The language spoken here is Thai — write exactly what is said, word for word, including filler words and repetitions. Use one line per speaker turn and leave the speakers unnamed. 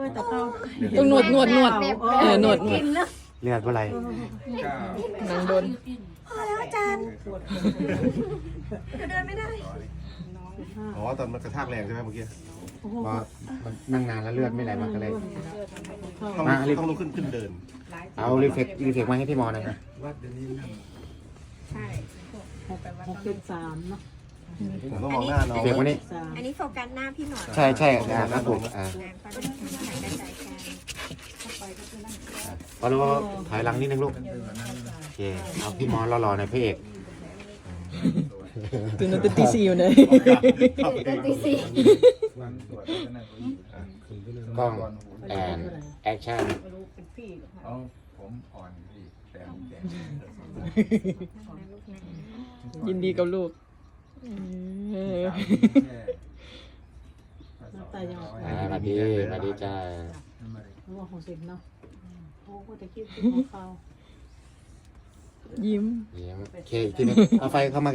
แต่เขา
ต้องหนวดหนวดหนวดเออหนวดหนวด
เลือดอะไร
นางโดน
อ๋อตอนมันกระชากแรงใช่ไหมเมื่อกี้
เพราะมันนั่งนานแล้วเลือดไม่ไหลมาก็เลย
ต้อง
มารีบ
ต้องลุกขึ้นขึ้นเดิน
เอารีเฟกรีเฟกมาให้พี่มอหน่อยนะ
หกเป็นสามเนาะ
ผมต้องมองหน้าน้อง
รีเฟกมานี่
สาม
อันนี้โฟกัสหน้าพี่หมอ
ใช่ใช่อ่าครับผมอ่า
เขาจะหายกระจายกัน
พอรู้ถอยหลังนิดนึงลูกโอเคเอาพี่มอรอๆหน่อยพระเอก
ตื่นตื่นตีสี่อยู่เลย
ตีสี่
กล้องแอนแอคชั่น
เอาผมอ่อนพี่แต่แต่
ยินดีกับลูกเออ
น้ำตายังออก
อ่ามาดีมาดีจ้า
หัวของสิบเนาะโอ้ก็จะคิดถึงของเขา
ยิ้ม
เยี่ยมโอเคอีกทีนึงเอาไฟเข้ามา